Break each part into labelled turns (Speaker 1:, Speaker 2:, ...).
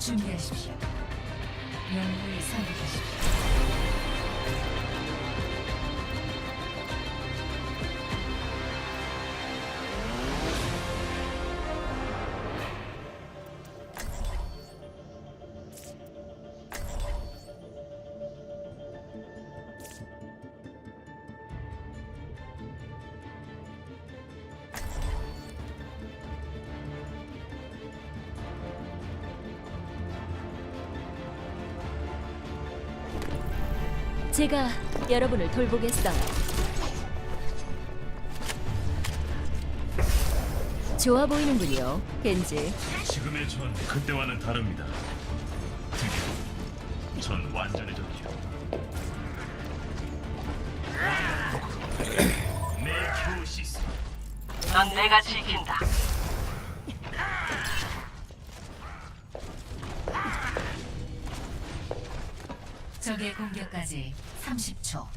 Speaker 1: 준비하십시오. 영웅을 선택하십시오.
Speaker 2: 제가 여러분을 돌보겠어요. 좋아 보이는군요, 겐지.
Speaker 3: 지금의 전 그때와는 다릅니다. 드디어 전 완전해졌죠. 내 교시스.
Speaker 4: 넌 내가 지킨다.
Speaker 1: 적의 공격까지 30초.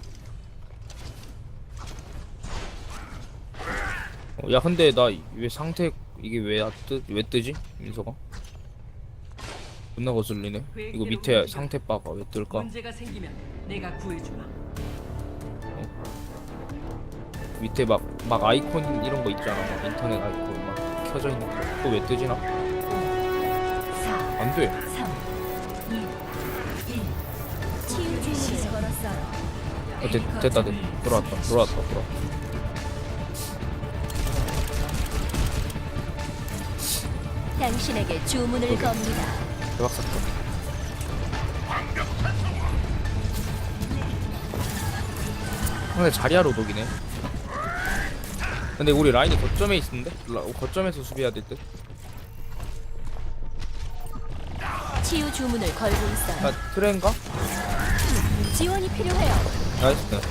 Speaker 5: 야 근데 나 왜 상태 이게 왜 뜨지? 민서가 존나 거슬리네. 이거 밑에 상태 바가 왜 뜰까?
Speaker 4: 문제가 생기면 내가 구해주마.
Speaker 5: 밑에 막 아이콘 이런 거 있잖아. 막 인터넷 아이콘 막 켜져 있는 거. 그거 왜 뜨지나?
Speaker 1: 4,
Speaker 5: 안 돼.
Speaker 1: 3, 2, 1.
Speaker 2: 치유주문을 걸었어요.
Speaker 5: 됐다. 돌아왔다.
Speaker 2: 당신에게 주문을 겁니다.
Speaker 5: 대박 사건. 근데 자리하러 독이네. 근데 우리 라인이 거점에 있는데? 거점에서 수비해야 될 듯?
Speaker 2: 치유 주문을 걸고 있어요.
Speaker 5: 아 트렌가?
Speaker 2: 지원이 필요해요.
Speaker 5: 나이스.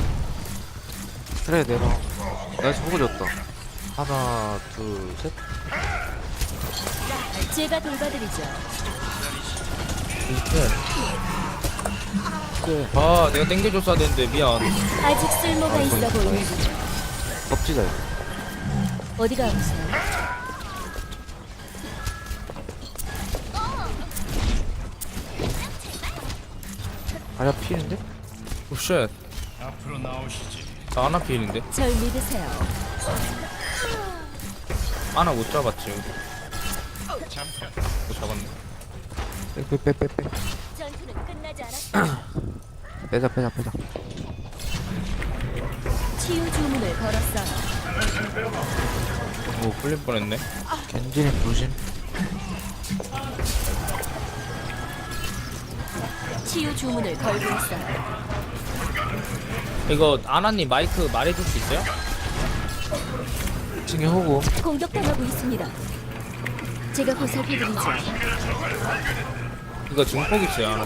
Speaker 6: 그래 내가 나이스 보고 줬다. 하나 둘셋.
Speaker 2: 제가 돌봐드리죠.
Speaker 5: 아 내가 땡겨줬어야 되는데 미안.
Speaker 2: 아직 쓸모가 있어 보이는군요.
Speaker 6: 덥지다 이거.
Speaker 2: 어디가 아프세요?
Speaker 6: 아야 피는데?
Speaker 5: 오쉣.
Speaker 3: 앞으로 나오시지.
Speaker 5: 나 하나 피일인데?
Speaker 2: 절 믿으세요.
Speaker 5: 하나 못 잡았지. 못 잡았네.
Speaker 6: 빼.
Speaker 2: 전투는 끝나지 않았어요.
Speaker 6: 빼자.
Speaker 2: 치유 주문을 걸었어요.
Speaker 5: 오 풀릴 뻔했네.
Speaker 6: 겐지는 조심.
Speaker 2: 치유 주문을 걸고 있어요.
Speaker 5: 이거 아나님 마이크 말해줄 수 있어요?
Speaker 6: 2층에 호구.
Speaker 2: 공격당하고 있습니다. 제가 보살펴드리죠.
Speaker 5: 이거 증폭 있어요 아나.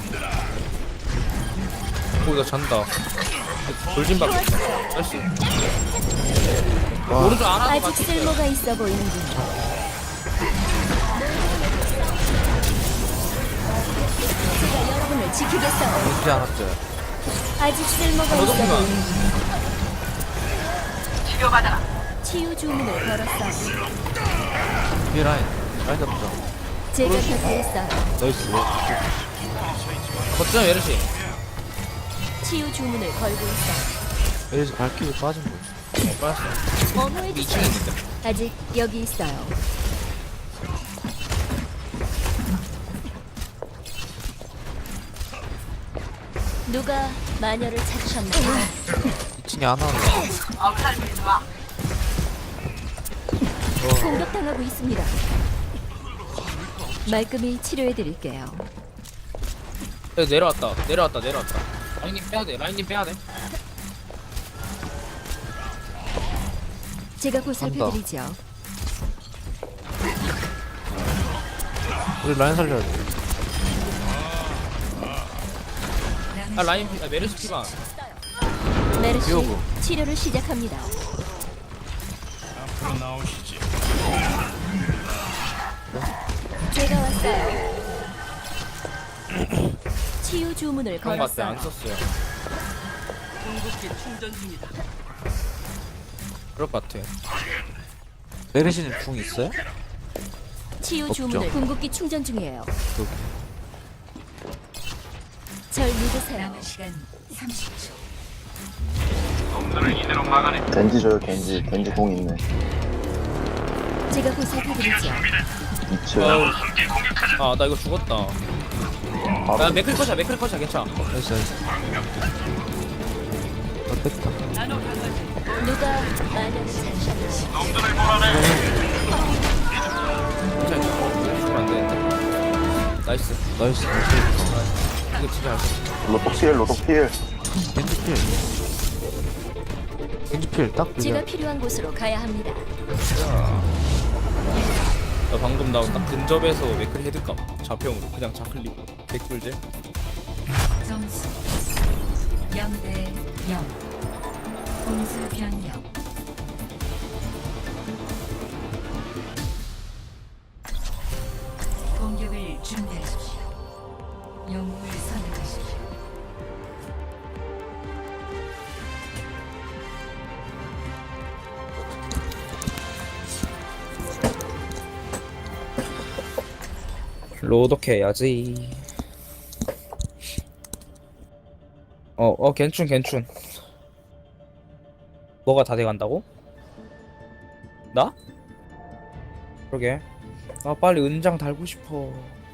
Speaker 5: 오 이거 잔다. 돌진박. 나이스. 오른쪽 아나도
Speaker 2: 아직
Speaker 5: 같이 있어요.
Speaker 2: 쓸모가 있어 보이는군요. 제가 여러분을 지키겠어요.
Speaker 6: 겐지 않았죠.
Speaker 2: 아직 쓸모가 있어
Speaker 5: 저도구나.
Speaker 2: 보이는군요.
Speaker 4: 치료받아라.
Speaker 2: 치유 주문을 걸었어요.
Speaker 6: 뒤에 라인 잡자.
Speaker 2: 제가 곁에 있어요.
Speaker 5: 나이스. 거점 에르시.
Speaker 2: 치유 주문을 걸고 있어요.
Speaker 6: 여기서 발키리 빠진 거지.
Speaker 5: 빠졌어.
Speaker 2: 어머해
Speaker 5: 2층에
Speaker 2: 주세요.
Speaker 5: 있는데.
Speaker 2: 아직 여기 있어요. 누가 마녀를 찾으셨나요?
Speaker 6: 2층에 안 하는
Speaker 4: 엄살 부리지 마.
Speaker 2: 공격당하고 있습니다. 말끔히 치료해드릴게요.
Speaker 5: 내려왔다. 라인님 빼야돼.
Speaker 2: 제가 보살펴드리죠.
Speaker 6: 우리 라인 살려야 돼.
Speaker 5: 아 라인 메르시 피반.
Speaker 2: 메르시
Speaker 6: 비오고.
Speaker 2: 치료를 시작합니다.
Speaker 3: 앞으로 나오시지.
Speaker 2: 제가 왔어요. 치유 주문을
Speaker 5: 그런 거 같아. 안
Speaker 2: 걸었어요.
Speaker 5: 썼어요.
Speaker 4: 궁극기 충전 중이다.
Speaker 5: 그럴 것 같아.
Speaker 6: 메르시는 궁 있어요?
Speaker 2: 치유
Speaker 6: 없죠.
Speaker 2: 주문을 궁극기 충전 중이에요.
Speaker 6: 그,
Speaker 2: 절 믿으세요.
Speaker 1: 남은 시간 30초.
Speaker 7: 겐지 줘요 겐지 공 있네.
Speaker 2: 제가 보살펴드리죠.
Speaker 7: 2층
Speaker 5: 아 나 이거 죽었다. 야
Speaker 7: 바로
Speaker 5: 맥클 컷이야 괜찮아.
Speaker 6: 나이스 나이스. 뺐다.
Speaker 4: 나노 강아지.
Speaker 2: 누가 마녀를 찾으셨나요?
Speaker 5: 괜찮아. 죽으면 안 되는데. 나이스.
Speaker 6: 나이스.
Speaker 5: 이거 진짜 잘 썼어.
Speaker 7: 로독필
Speaker 6: 겐지필. 겐지필 딱
Speaker 2: 제가
Speaker 6: 그냥.
Speaker 2: 필요한 곳으로 가야 합니다.
Speaker 5: 나 방금 나 딱 근접에서 맥클 헤드감 좌평으로 그냥 좌클릭 개꿀제.
Speaker 1: 점수 0대 0. 공수 변경. 공격을 준비하십시오. 영웅을 선택하십시오.
Speaker 5: 로독 해야지. 괜춘. 뭐가 다 돼간다고? 나? 그러게. 아 빨리 은장 달고 싶어.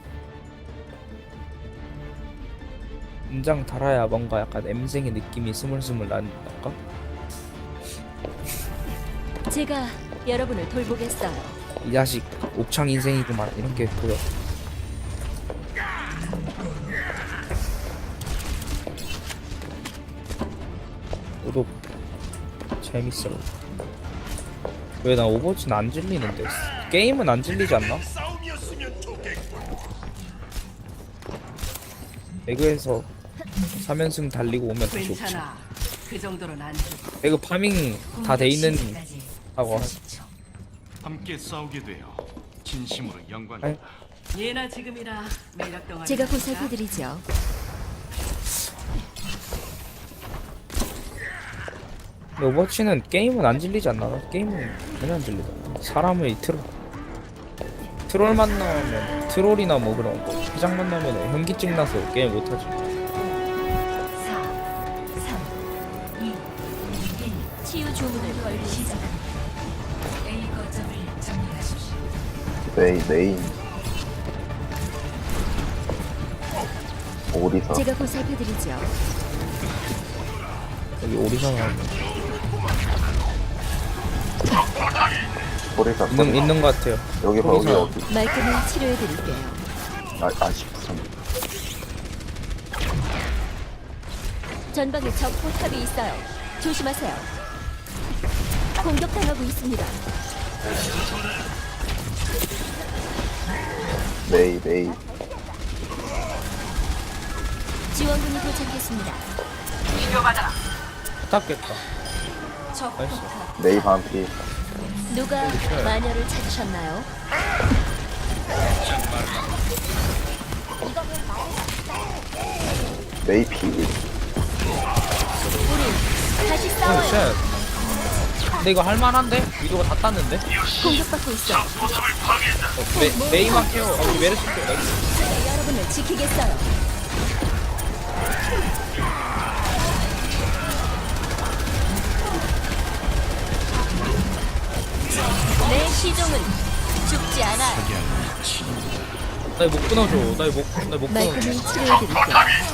Speaker 5: 은장 달아야 뭔가 약간 엠생의 느낌이 스물스물 난달까?
Speaker 2: 제가 여러분을 돌보겠어요.
Speaker 5: 이 자식 옥창 인생이구만 이런 게 보여. 로독 재밌어. 왜 나 오버워치는 안 질리는데? 게임은 안 질리지 않나? 배그에서 3연승 달리고 오면 다시 없지.
Speaker 4: 괜찮아. 그 정도는 안 돼.
Speaker 5: 배그 파밍 다 돼 있는 하고
Speaker 1: 40초.
Speaker 3: 함께 싸우게 되어 진심으로
Speaker 5: 아이.
Speaker 3: 영광이다.
Speaker 4: 예나 지금이나 매력 동안.
Speaker 2: 제가 보살펴드리죠.
Speaker 5: 근데 오버워치는 게임은 안 질리지 않나? 게임은 전혀 안 질리다. 사람의 트롤 만나면 트롤이나 뭐 그런 거 회장 만나면 현기증 나서 게임 못하지.
Speaker 1: 4, 3, 2, 1.
Speaker 2: 치유 주문을 걸고
Speaker 1: 시작합니다. A 거점을 점령하십시오.
Speaker 7: 메인 오리사
Speaker 2: 제가 보살펴드리죠.
Speaker 5: 여기 오리사나
Speaker 7: 오리사
Speaker 5: 있는 것 같아요.
Speaker 7: 여기 봐
Speaker 5: 오리사.
Speaker 7: 여기
Speaker 2: 말끔히 치료해드릴게요.
Speaker 7: 아쉽다.
Speaker 2: 전방에 적 포탑이 있어요. 조심하세요. 공격당하고 있습니다.
Speaker 7: 메이
Speaker 2: 지원군이 도착했습니다.
Speaker 4: 비벼받아라.
Speaker 5: 탔겠다.
Speaker 2: 적
Speaker 5: 나이스.
Speaker 2: 포탑.
Speaker 7: 메이 반피
Speaker 2: 누가 마녀를 찾으셨나요?
Speaker 7: 메이 피
Speaker 2: 우리 다시
Speaker 5: 오
Speaker 2: 싸워요.
Speaker 5: 쉣. 근데 이거 할만한데? 위도가 다 땄는데?
Speaker 2: 공격받고 있어.
Speaker 5: 메이만 케어. 우리 메르시 케어. 나이스.
Speaker 2: 제가 여러분을 지키겠어요. 내 시종은 죽지 않아요.
Speaker 5: 나 이거 못 끊어줘. 나 이거 못 끊어줘.
Speaker 2: 말끔히 치료해드릴게요.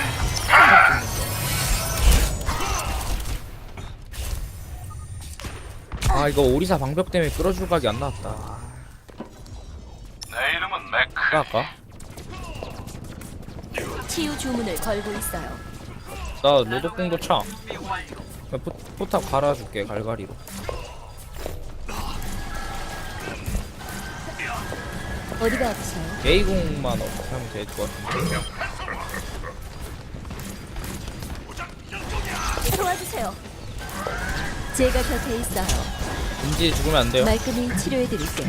Speaker 5: 아 이거 오리사 방벽 때문에 끌어줄 각이 안 나왔다.
Speaker 3: 내 이름은 맥.
Speaker 5: 아까?
Speaker 2: 치유 주문을 걸고 있어요.
Speaker 5: 나 로독공도 차. 그냥 포탑 갈아줄게 갈갈이로.
Speaker 2: 어디가 아프세요?
Speaker 5: 메이공만 어떻게 하면 될 것 같은데.
Speaker 2: 도와주세요. 제가 곁에 있어요.
Speaker 5: 인지 죽으면 안 돼요.
Speaker 2: 말끔히 치료해드릴게요.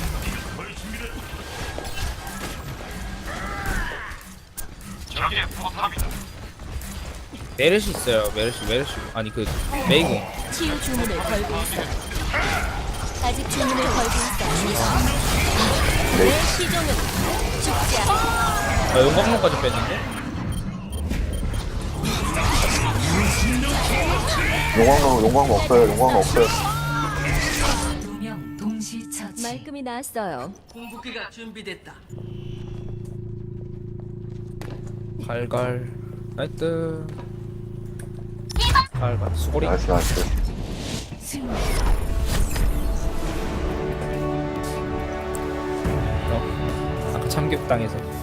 Speaker 3: 적의 포탑이다.
Speaker 5: 메르시 있어요. 메르시. 아니 그 메이공.
Speaker 2: 치유 주문을 걸고 있어요. 아직 주문을 걸고 있어요. 내 시종은 죽지 않아.
Speaker 5: 아, 용광로까지 뺐는데?
Speaker 7: 용광로 없어요. 용광로 없어요.
Speaker 1: 2명 동시 처치.
Speaker 2: 말끔히 나왔어요.
Speaker 4: 궁극기가 준비됐다.
Speaker 5: 갈갈 나이트 갈갈 수고리
Speaker 7: 나이스, 나이스.
Speaker 1: 승리.
Speaker 5: 아까 참교육당해서